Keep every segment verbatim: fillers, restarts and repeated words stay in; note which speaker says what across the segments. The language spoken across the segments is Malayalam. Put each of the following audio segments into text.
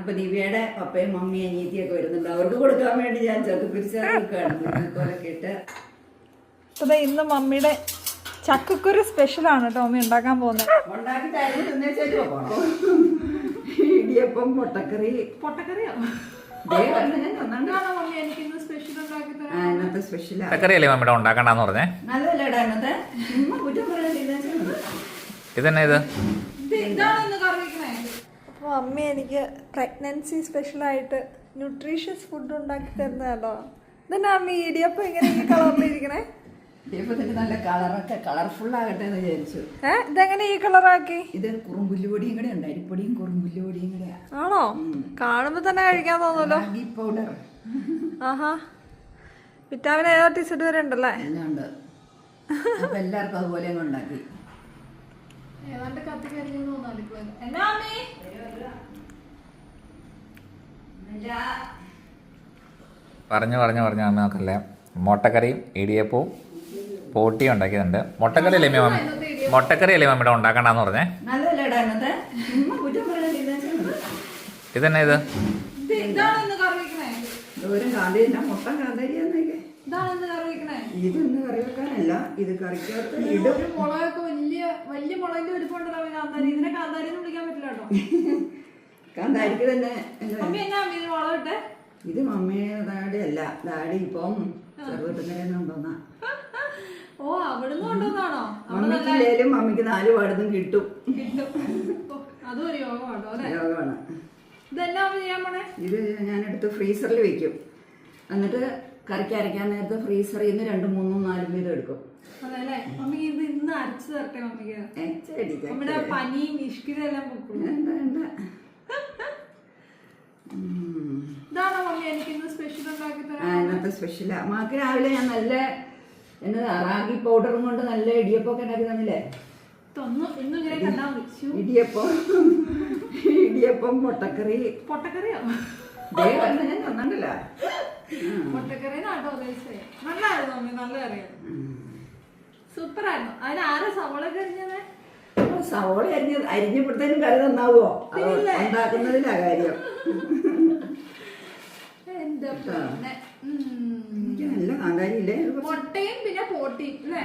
Speaker 1: അപ്പൊ ദിവ്യയുടെ പപ്പയും മമ്മിയും അനിയത്തിയൊക്കെ വരുന്നുണ്ട്. അവർക്ക് കൊടുക്കാൻ വേണ്ടി ഞാൻ ചക്കക്കുരിശൊക്കെ ഇട്ട്
Speaker 2: അതെ. ഇന്ന് മമ്മിയുടെ ചക്കക്കുരു സ്പെഷ്യലാണ് ടോമി ഉണ്ടാക്കാൻ പോകുന്നത്.
Speaker 1: ഇടിയപ്പം പൊട്ടക്കറി.
Speaker 2: പൊട്ടക്കറിയോ?
Speaker 1: ഇന്നത്തെ സ്പെഷ്യലാ.
Speaker 3: പച്ചക്കറിയല്ലേ മമ്മിയുടെ ഉണ്ടാക്കണ്ടെന്ന് പറഞ്ഞേ?
Speaker 1: നല്ലതല്ലേടാ ഇന്നത്തെ.
Speaker 3: ഇതന്നെ ഇത്
Speaker 2: അപ്പോൾ മമ്മി എനിക്ക് പ്രഗ്നൻസി സ്പെഷ്യലായിട്ട് ന്യൂട്രീഷ്യസ് ഫുഡ് ഉണ്ടാക്കി തരുന്നതല്ലോ. ഇതന്നെ അമ്മി ഇടിയപ്പം ഇങ്ങനെ ഈ കളറിലിരിക്കണേ.
Speaker 1: ഇടിയപ്പത്തിന്റെ നല്ല കളറൊക്കെ കളർഫുൾ ആകട്ടെ എന്ന് വിചാരിച്ചു.
Speaker 2: ഏഹ് ഇതെങ്ങനെ ഈ കളറാക്കി?
Speaker 1: ഇത് കുറുമ്പുല്ലുപൊടിയും കൂടെ ഉണ്ട്. അരിപ്പൊടിയും കുറുമ്പുല്ലുപൊടിയും കൂടെ.
Speaker 2: ആണോ? കാണുമ്പോ തന്നെ കഴിക്കാൻ തോന്നുമല്ലോ.
Speaker 1: പൗഡർ.
Speaker 2: ആഹാ, വിറ്റാമിൻ എ ടി സിഡ് വരെ ഉണ്ടല്ലേ?
Speaker 1: എല്ലാം ഉണ്ട്. അപ്പൊ എല്ലാവർക്കും അതുപോലെ അങ്ങ് ഉണ്ടാക്കി.
Speaker 3: പറഞ്ഞു പറഞ്ഞു പറഞ്ഞു അമ്മ നോക്കല്ലേ. മുട്ടക്കറിയും ഇടിയപ്പവും പോട്ടിയും ഉണ്ടാക്കിയതുണ്ട്. മുട്ടക്കറി അല്ലേ മമ്മി മുട്ടക്കറി അല്ലേ മമ്മിയുടെ ഉണ്ടാക്കണ്ടെന്ന് പറഞ്ഞേ?
Speaker 1: നല്ലതല്ലേടാ ഇന്നത്തെ.
Speaker 3: ഇതന്നെ ഇത്
Speaker 1: ദൂരം കാന്തിരില്ല. മുട്ട കാന്തിരിയാന്നൊക്കെ. ഇതൊന്നും കറി വെക്കാനല്ല, ഇത് കറിക്കകത്ത് ഇടും.
Speaker 2: മുളകൊക്കെ വലിയ വലിയ മുളകിന്റെ വലിപ്പമുണ്ടല്ലോ കാന്താരി. ഇതിനെ കാന്താരി എന്ന് വിളിക്കാൻ പറ്റില്ല കേട്ടോ.
Speaker 1: കാന്താരിക്ക് തന്നെ.
Speaker 2: മുളകിട്ടെ
Speaker 1: ഇത് മമ്മിയുടെ ഡാഡി അല്ല. ഡാഡി ഇപ്പം ചെറുപ്പത്തിനുണ്ടോന്നാ.
Speaker 2: ഓ, അവിടുന്ന് കൊണ്ടുവന്നാണോ?
Speaker 1: മമ്മിക്കില്ലേലും മമ്മിക്ക് നാല് പാടത്തും കിട്ടും.
Speaker 2: അതും ഒരു യോഗമാണോ?
Speaker 1: യോഗമാണ്.
Speaker 2: ഇതെല്ലാം ചെയ്യാൻ പോണേ.
Speaker 1: ഇത് ഞാനെടുത്ത് ഫ്രീസറിൽ വെക്കും. എന്നിട്ട് കറിക്ക് അരയ്ക്കാൻ നേരത്തെ ഫ്രീസറിൽ നിന്ന് രണ്ടും മൂന്നും നാലും വീതം എടുക്കും.
Speaker 2: അതല്ലേ മമ്മി? ഇത് ഇന്ന് അരച്ചു തരട്ടെ മമ്മിക്ക്. നമ്മുടെ പനിയും ഇഷ്കിതെല്ലാം പൊക്കും. ഇതാണോ മമ്മി എനിക്ക് ഇന്ന് സ്പെഷ്യൽ ഉണ്ടാക്കി തരാം?
Speaker 1: ഇന്നത്തെ സ്പെഷ്യലാ. മാക്ക് രാവിലെ ഞാൻ നല്ല എന്നതാ റാഗി പൗഡറും കൊണ്ട് നല്ല ഇടിയപ്പൊക്കെ ഉണ്ടാക്കി തന്നില്ലേ? ഇടിയപ്പം ഇടിയപ്പം പൊട്ടക്കറി.
Speaker 2: പൊട്ടക്കറിയോ?
Speaker 1: ഞാൻ തന്നിട്ടില്ല.
Speaker 2: പൊട്ടക്കറി നാട്ടോ ഉദ്ദേശിച്ചേ. നല്ലായിരുന്നു മമ്മി, നല്ല കറിയായിരുന്നു. സൂപ്പർ ആയിരുന്നു. അതിന് ആരാ സവോള കരിഞ്ഞത്?
Speaker 1: സവോള അരിഞ്ഞ അരിഞ്ഞപ്പോഴത്തേനും കറി നന്നാവോ? ഉണ്ടാക്കുന്നതിലാ കാര്യം. നല്ല കാന്താരി ഇല്ലേ?
Speaker 2: മുട്ടയും പിന്നെ പോട്ടിയും അല്ലേ?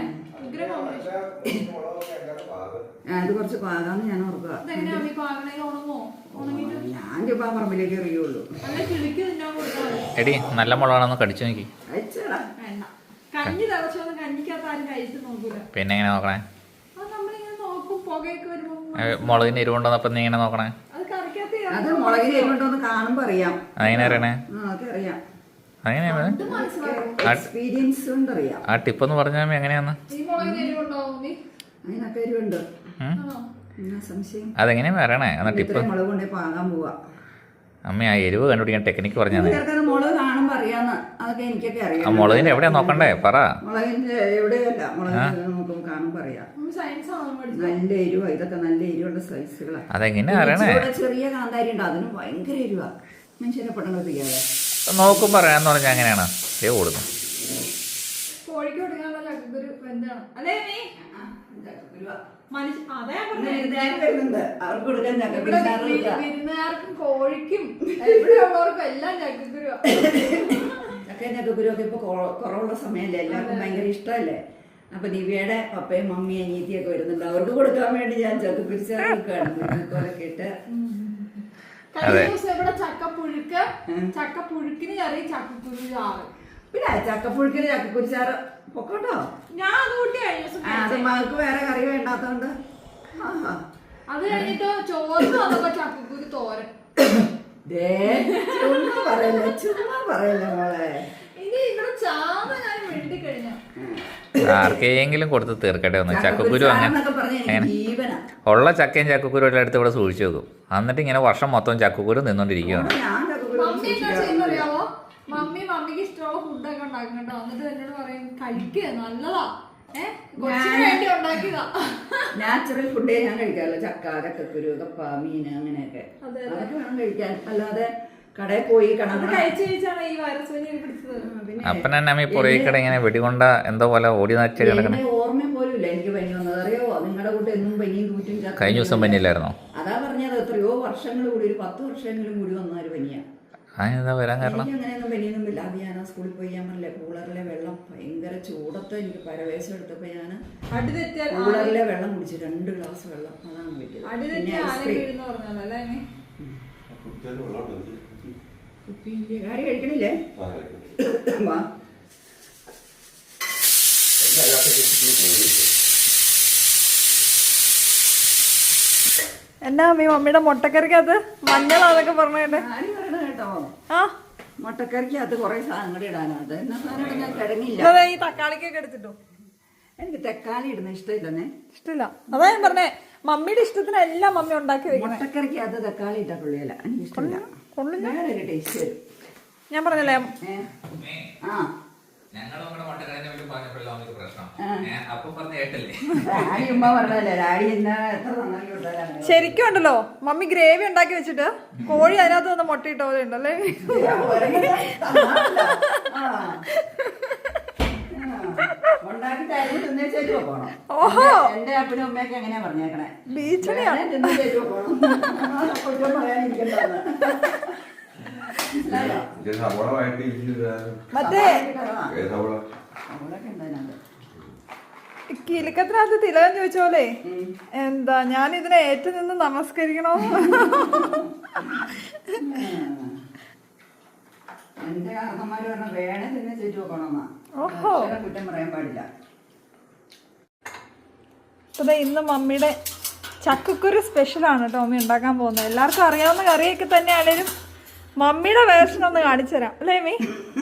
Speaker 1: അത് കുറച്ച് പാകാന്ന് ഞാൻ ഓർക്കുക. ഞാൻ ചുമ്മാ പറമ്പിലേക്ക് എറിയുള്ളൂ.
Speaker 3: എടി നല്ല മുളകാണെന്ന് കടിച്ചു നോക്കി.
Speaker 2: കഞ്ഞി തിളച്ചോന്ന് കഞ്ഞിക്കകത്ത് ആരും കഴിച്ചു നോക്കൂല.
Speaker 3: പിന്നെ എങ്ങനെ നോക്കണേ?
Speaker 2: നമ്മളിങ്ങനെ നോക്കും. പുകയൊക്കെ വരുമ്പോ
Speaker 3: മുളകിന് എരിവുണ്ടോന്നപ്പം നീ ഇങ്ങനെ നോക്കണേ?
Speaker 1: അത് മുളകിന് എരിവുണ്ടോന്ന് കാണുമ്പോ അറിയാം.
Speaker 3: അതെങ്ങനെ അറിയണേ?
Speaker 1: അതറിയാം.
Speaker 3: അങ്ങനെയാണ്
Speaker 1: എക്സ്പീരിയൻസ് കൊണ്ട് അറിയാം.
Speaker 3: ആ ടിപ്പെന്ന് പറഞ്ഞാൽ എങ്ങനെയാന്ന്?
Speaker 1: അതിനൊക്കെ എരിവുണ്ട്.
Speaker 3: അതെങ്ങനെയാ പറയണേ? എന്നാ ടിപ്പ്
Speaker 1: മുളക് കൊണ്ടേ പാകാൻ പോവാ.
Speaker 3: അമ്മ ആ എരിവ് കണ്ടുപിടിക്കാൻ ടെക്നിക്ക് പറഞ്ഞാൽ
Speaker 1: മുളക് കാണുമ്പോ അറിയാന്ന്. അതൊക്കെ എനിക്കൊക്കെ അറിയാം.
Speaker 3: ആ മുളകിന്റെ എവിടെയാ നോക്കണ്ടേ പറ?
Speaker 1: മുളകിന്റെ എവിടെയല്ല, മുളക് നോക്കുമ്പോ കാണുമ്പോ അറിയാം. നല്ല എരിവാ. ഇതൊക്കെ നല്ല എരിവുള്ള സൈസുകളാ.
Speaker 3: അതെങ്ങനെ അറിയണേ?
Speaker 1: ചെറിയ കാന്താരി ഉണ്ട്, അതിന് ഭയങ്കര എരിവാ. മനുഷ്യരെ പെട്ടെന്ന് എത്തിക്കാതെ
Speaker 3: നോക്കും പറയാന്ന് പറഞ്ഞാൽ അങ്ങനെയാണ് ഏ കൊടുക്കും.
Speaker 2: കോഴിക്ക് കൊടുക്കാനുള്ള ചക്കക്കുരു വെന്താണ് അല്ലേ നീ? വിരുന്നുകാർക്കും കോഴിക്കും എവിടെയുള്ളവർക്കും എല്ലാം ചക്കക്കുരു.
Speaker 1: ചക്കയും ചക്കക്കുരു ഒക്കെ ഇപ്പൊ കുറവുള്ള സമയമല്ലേ, എല്ലാവർക്കും ഭയങ്കര ഇഷ്ടമല്ലേ. അപ്പൊ ദിവ്യയുടെ പപ്പയും മമ്മിയും അനിയത്തിയൊക്കെ വരുന്നുണ്ട്. അവർക്ക് കൊടുക്കാൻ വേണ്ടി ഞാൻ ചക്കക്കുരിശൊക്കെ ഇട്ട്.
Speaker 2: കഴിഞ്ഞ ദിവസം ഇവിടെ ചക്കപ്പുഴുക്ക്, ചക്കപ്പുഴുക്കിന് കറി, ചക്കക്കുരു ചാറ്.
Speaker 1: പിന്നെ ചക്കപ്പുഴുക്കിന് ചക്കക്കുരിശാറ് പൊക്കോട്ടോ.
Speaker 2: ഞാൻ അത് കൂട്ടി കഴിഞ്ഞ ദിവസം.
Speaker 1: അത് മകൾക്ക് വേറെ കറി വേണ്ടാത്തോണ്ട്.
Speaker 2: അത് കഴിഞ്ഞിട്ട് ചോറിന് വന്നപ്പോ ചക്കക്കുരു തോരൻ.
Speaker 1: ചുമ്മാ പറയല്ലേ, ചുമ്മാ പറയല്ലേ മോളെ.
Speaker 2: ഇനി ഇവിടെ ചാമ ഞാൻ വേണ്ടി കഴിഞ്ഞ
Speaker 3: ആർക്കെങ്കിലും കൊടുത്ത് തീർക്കട്ടെ ഒന്ന്. ചക്കക്കുരു അങ്ങനെ ഉള്ള ചക്കയും ചക്കക്കുരു എല്ലാം എടുത്ത് ഇവിടെ സൂക്ഷിച്ചു വെക്കും. എന്നിട്ട് ഇങ്ങനെ വർഷം മൊത്തം ചക്കക്കുരു നിന്നോണ്ടിരിക്കുകയാണ്.
Speaker 2: മമ്മി എന്താ ചെയ്യുന്നറിയാവോ? മമ്മി മമ്മിക്ക് ഇഷ്ടമുള്ള ഫുഡൊക്കെ ഉണ്ടാക്കണ്ടോ, എന്നിട്ട് എന്നോട് പറയും കഴിക്കുക നല്ലതാ, ഏഹ് കൊച്ചിന് വേണ്ടി ഉണ്ടാക്കിയതാ.
Speaker 1: നാച്ചുറൽ ഫുഡേ ഞാൻ കഴിക്കാറില്ല. ചക്ക, ചക്കക്കുരു, കപ്പ, മീന് അങ്ങനെയൊക്കെ അതൊക്കെ വേണം കഴിക്കാൻ. അല്ലാതെ കടയിൽ പോയി
Speaker 2: കഴിച്ചു കഴിച്ചാണ് ഈ വൈറസ് പനി പിടിച്ചത്.
Speaker 3: അപ്പനമ്മ പുറകെ ഇങ്ങനെ വെടികൊണ്ട എന്തോ പോലെ ഓടി നാച്ചു കിടക്കണം.
Speaker 1: ഓർമ്മ പോലും ഇല്ല എനിക്ക് പനി വന്നത്. അറിയോ? നിങ്ങളുടെ കൂട്ട് എന്നും പനിയും കൂറ്റും.
Speaker 3: കഴിഞ്ഞ ദിവസം പനിയില്ലായിരുന്നോ?
Speaker 1: അതാ പറഞ്ഞത്, എത്രയോ വർഷങ്ങൾ കൂടി ഒരു പത്ത് വർഷമെങ്കിലും മുടി വന്നാല് പനിയാ.
Speaker 3: അതിനെന്താ വരാൻ കാരണം?
Speaker 1: എനിക്ക് അങ്ങനെയൊന്നും പനിയൊന്നും ഇല്ല. അത് ഞാൻ ആ സ്കൂളിൽ പോയി ഞാൻ പറഞ്ഞില്ലേ കൂളറിലെ വെള്ളം ഭയങ്കര ചൂടത്ത് എനിക്ക് പരവേശം എടുത്തപ്പോ ഞാൻ
Speaker 2: അടി തെറ്റിയാൽ
Speaker 1: കൂളറിലെ വെള്ളം കുടിച്ചു, രണ്ട് ഗ്ലാസ് വെള്ളം, അതാണ് പറ്റിയത്.
Speaker 2: അടി
Speaker 1: പിന്നെ
Speaker 2: തെറ്റിയാൽ ആന
Speaker 1: ഐസ്ക്രീം.
Speaker 2: വീഴുന്ന പറഞ്ഞല്ലോ അല്ലേ അമ്മേ?
Speaker 1: കുപ്പിയില്ലേ കാര്യം കഴിക്കണില്ലേ? വാ.
Speaker 2: എന്നാ അമ്മ മമ്മിയുടെ മുട്ടക്കറിക്കകത്ത് മഞ്ഞളാന്നൊക്കെ പറഞ്ഞേ.
Speaker 1: ആര് പറയണ കേട്ടോ?
Speaker 2: ആ
Speaker 1: മുട്ടക്കറിക്കകത്ത് കുറെ സാധനങ്ങൾ ഇടാനാ. അത് എന്നാ സാധനം ഞാൻ കിടങ്ങില്ല.
Speaker 2: അതെ ഈ തക്കാളിക്കൊക്കെ എടുത്തിട്ടോ.
Speaker 1: എനിക്ക് തക്കാളി ഇടുന്ന ഇഷ്ടമില്ലെന്നേ.
Speaker 2: ഇഷ്ടമില്ല. അതാ ഞാൻ പറഞ്ഞേ മമ്മിയുടെ ഇഷ്ടത്തിന് എല്ലാം മമ്മി ഉണ്ടാക്കി വെക്കണം.
Speaker 1: മുട്ടക്കറിക്കകത്ത് തക്കാളി ഇട്ടാ കൊള്ളിയല്ല, എനിക്ക് ഇഷ്ടമില്ല. വേറെ ഒരു ടേസ്റ്റ് വരും.
Speaker 2: ഞാൻ പറഞ്ഞല്ലേ
Speaker 1: ആ
Speaker 3: ഞങ്ങൾ നമ്മുടെ മുട്ടക്കറിനെ പറ്റി പറഞ്ഞപ്പോഴല്ലോ നമുക്ക് പ്രശ്നം. അപ്പൊ പറഞ്ഞ കേട്ടല്ലേ?
Speaker 1: ഡാഡി ഉമ്മ പറഞ്ഞല്ലേ ഡാഡി എന്നാ എത്ര നന്നായി വിട്ടാലാണ്.
Speaker 2: ശരിക്കും ഉണ്ടല്ലോ മമ്മി ഗ്രേവി ഉണ്ടാക്കി വെച്ചിട്ട് കോഴി അതിനകത്ത് വന്ന് മുട്ടയിട്ട പോലെ ഉണ്ടല്ലേ.
Speaker 1: ഓഹോ എന്റെ അപ്പനും അമ്മയൊക്കെ എങ്ങനെയാ പറഞ്ഞേക്കണേ?
Speaker 2: ബീച്ചണിയാണ്. മറ്റേ കിലുക്കത്തിനകത്ത് തിലകൻ ചോദിച്ച പോലെ എന്താ ഞാൻ ഇതിനെ ഏറ്റു നിന്ന് നമസ്കരിക്കണോ?
Speaker 1: എന്റെ കാരണന്മാര് പറഞ്ഞ വേണേ തന്നെ ചെയ്തു നോക്കണമെന്നാ.
Speaker 2: ഓഹോ
Speaker 1: കുറ്റം പറയാൻ പാടില്ല.
Speaker 2: അതെ ഇന്ന് മമ്മിയുടെ ചക്കക്കുരു സ്പെഷ്യലാണ് കേട്ടോ മമ്മി ഉണ്ടാക്കാൻ പോകുന്നത്. എല്ലാവർക്കും അറിയാവുന്ന കറിയൊക്കെ തന്നെയാണേലും മമ്മിയുടെ വേർഷൻ ഒന്ന് കാണിച്ചു തരാം അല്ലേ മീ?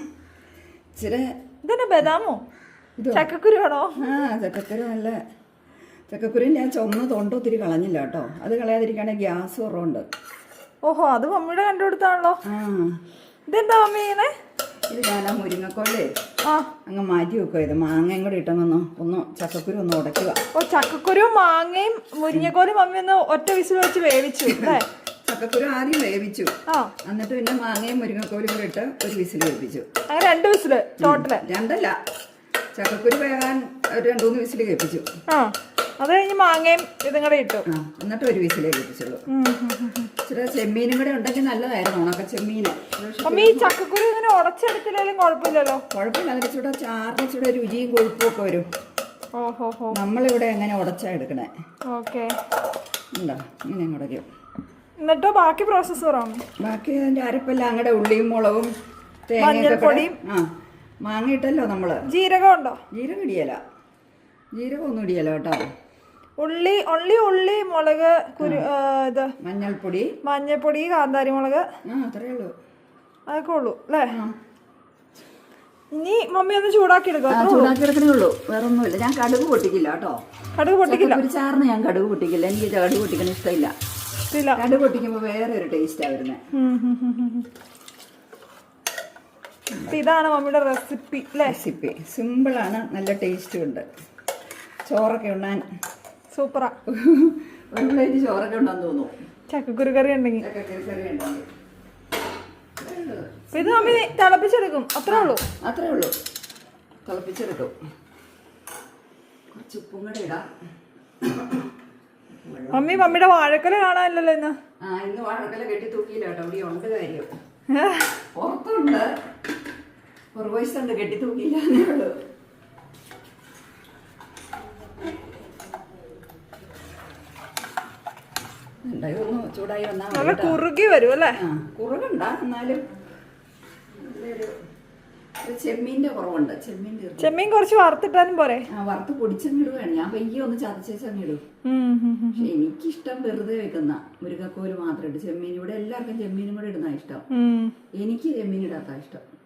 Speaker 2: ഇതന്നെ ബദാമോ ചക്കക്കുരു ആണോ?
Speaker 1: ആ ചക്കക്കുരു നല്ല ചക്കക്കുരു ഞാൻ ചുമന്ന് തൊണ്ട ഒത്തിരി കളഞ്ഞില്ല കേട്ടോ. അത് കളയാതിരിക്കുകയാണെങ്കിൽ ഗ്യാസ് കുറവുണ്ട്.
Speaker 2: ഓഹോ അത് മമ്മിയുടെ കണ്ടുകൊടുത്താണല്ലോ.
Speaker 1: ആ
Speaker 2: ഇതെന്താ മമ്മി ഇങ്ങനെ?
Speaker 1: ഇത് ഞാൻ ആ മുരിങ്ങക്കോലേ
Speaker 2: ആ
Speaker 1: അങ്ങ് മാറ്റി വെക്കുക. ഇത് മാങ്ങയും കൂടി ഇട്ടൊന്ന് ഒന്ന് ചക്കക്കുരു ഒന്ന് ഉടയ്ക്കുക.
Speaker 2: ഓ ചക്കക്കുരു മാങ്ങയും മുരിങ്ങക്കോലും മമ്മി ഒന്ന് ഒറ്റ വിസിൽ വെച്ച് വേവിച്ചു അല്ലേ?
Speaker 1: ചക്കക്കുരു ആദ്യം വേവിച്ചു,
Speaker 2: ആ
Speaker 1: എന്നിട്ട് പിന്നെ മാങ്ങയും മുരിങ്ങക്കോലും കൂടി ഇട്ട് ഒരു വിസിൽ വേവിച്ചു.
Speaker 2: അങ്ങനെ രണ്ട് വിസില് ടോട്ടല്?
Speaker 1: രണ്ടല്ല, ചക്കക്കുരു വേകാൻ ഒരു രണ്ടു മൂന്ന് വിസിൽ കേൾപ്പിച്ചു.
Speaker 2: ആ അത് കഴിഞ്ഞ് മാങ്ങയും ഇതും കൂടെ ഇട്ടു.
Speaker 1: ആ എന്നിട്ട് ഒരു വിസിലേ കേൾപ്പിച്ചുള്ളൂ. ഇച്ചിരി ചെമ്മീനും കൂടെ ഉണ്ടെങ്കിൽ നല്ലതായിരുന്നു, ഉണക്ക ചെമ്മീന്.
Speaker 2: മമ്മി ഈ ചക്കക്കുരു ഇങ്ങനെ ഉടച്ചെടുത്തില്ലേലും കുഴപ്പമില്ലല്ലോ.
Speaker 1: കുഴപ്പമില്ല, അതിന് ചൂടെ ചാറിന് ചൂടെ രുചിയും കൊഴുപ്പും ഒക്കെ വരും.
Speaker 2: ഓഹോ ഹോ
Speaker 1: നമ്മളിവിടെ എങ്ങനെ ഉടച്ചാ എടുക്കണേ?
Speaker 2: ഓക്കെ
Speaker 1: ഉണ്ടോ ഇങ്ങനെ ഉടയ്ക്കും.
Speaker 2: എന്നിട്ടോ ബാക്കി പ്രോസസ്സ് പറയാം.
Speaker 1: ബാക്കി അതിൻ്റെ അരപ്പെല്ലാം അങ്ങടെ ഉള്ളിയും മുളകും തേങ്ങയും ആ മാങ്ങ ഇട്ടല്ലോ നമ്മള്.
Speaker 2: ജീരകം ഉണ്ടോ?
Speaker 1: ജീരകം ഇടിയല, ജീരകം ഒന്നും ഇടിയല കേട്ടോ.
Speaker 2: ഉള്ളി ഉള്ളി ഉള്ളി മുളക് കുരു ഇത്
Speaker 1: മഞ്ഞൾപ്പൊടി
Speaker 2: മഞ്ഞൾപ്പൊടി കാന്താരി മുളക്
Speaker 1: ആ അത്രേ ഉള്ളൂ.
Speaker 2: അതൊക്കെ ഉള്ളൂ അല്ലേ? ഇനി മമ്മി ഒന്ന് ചൂടാക്കി എടുക്കാം.
Speaker 1: ചൂടാക്കി എടുക്കണേ ഉള്ളൂ, വേറെ ഒന്നുമില്ല. ഞാൻ കടുക് പൊട്ടിക്കില്ല കേട്ടോ.
Speaker 2: കടുക് പൊട്ടിക്കില്ല?
Speaker 1: ഒരു ചാറിന് ഞാൻ കടുക് പൊട്ടിക്കില്ല. എനിക്ക് കടുക് പൊട്ടിക്കണ ഇഷ്ടമില്ല. കടുക് പൊട്ടിക്കുമ്പോ വേറെ ഒരു ടേസ്റ്റാ വരുന്നത്.
Speaker 2: ഇതാണ് മമ്മിയുടെ റെസിപ്പി
Speaker 1: റെസിപ്പി സിമ്പിളാണ്, നല്ല ടേസ്റ്റും ഉണ്ട്. ചോറൊക്കെ ഉണ്ണാൻ
Speaker 2: സൂപ്പറാ.
Speaker 1: ഒരു പ്ലേറ്റ് ചോറൊക്കെ ഉണ്ടെന്ന് തോന്നുന്നു
Speaker 2: ചക്കക്കുരു കറി ഉണ്ടെങ്കിൽ.
Speaker 1: ചക്കക്കുരു കറി ഉണ്ടെങ്കിൽ
Speaker 2: ഇത് മമ്മി തിളപ്പിച്ചെടുക്കും, അത്രേ ഉള്ളൂ.
Speaker 1: അത്രേ ഉള്ളൂ, തിളപ്പിച്ചെടുക്കും. കുറച്ച് ഉപ്പും കൂടെ ഇടാം.
Speaker 2: മമ്മി മമ്മിയുടെ വാഴക്കല കാണാനില്ലല്ലോ ഇന്ന്.
Speaker 1: ആ ഇന്ന് വാഴക്കല കെട്ടി തൂക്കിയില്ല കേട്ടോ, ഇവിടെ ഉണ്ട് കാര്യം. പുറത്തുണ്ട്, പുറകുവശത്തുണ്ട്, കെട്ടി തൂക്കിയില്ലേ ഉള്ളൂ. ഒന്ന് ചൂടായി വന്നാൽ
Speaker 2: നല്ല കുറുകി വരും അല്ലേ?
Speaker 1: ആ കുറുകണ്ട, എന്നാലും ചെമ്മീന്റെ കുറവുണ്ട്. ചെമ്മീൻ
Speaker 2: ചെമ്മീൻ കുറച്ച് വറുത്തിട്ടാലും പോരെ?
Speaker 1: ആ വറുത്ത് പൊടിച്ചങ്ങിടുകയാണ് ഞാൻ. പയ്യെ ഒന്ന് ചതച്ചങ്ങിടും. പക്ഷെ എനിക്കിഷ്ടം വെറുതെ വെക്കുന്ന മുരുകക്കോല് മാത്രം ഇട്ട് ചെമ്മീൻ. ഇവിടെ എല്ലാവർക്കും ചെമ്മീനും കൂടെ ഇടുന്ന ഇഷ്ടം. എനിക്ക് ചെമ്മീൻ ഇടാത്ത ഇഷ്ടം.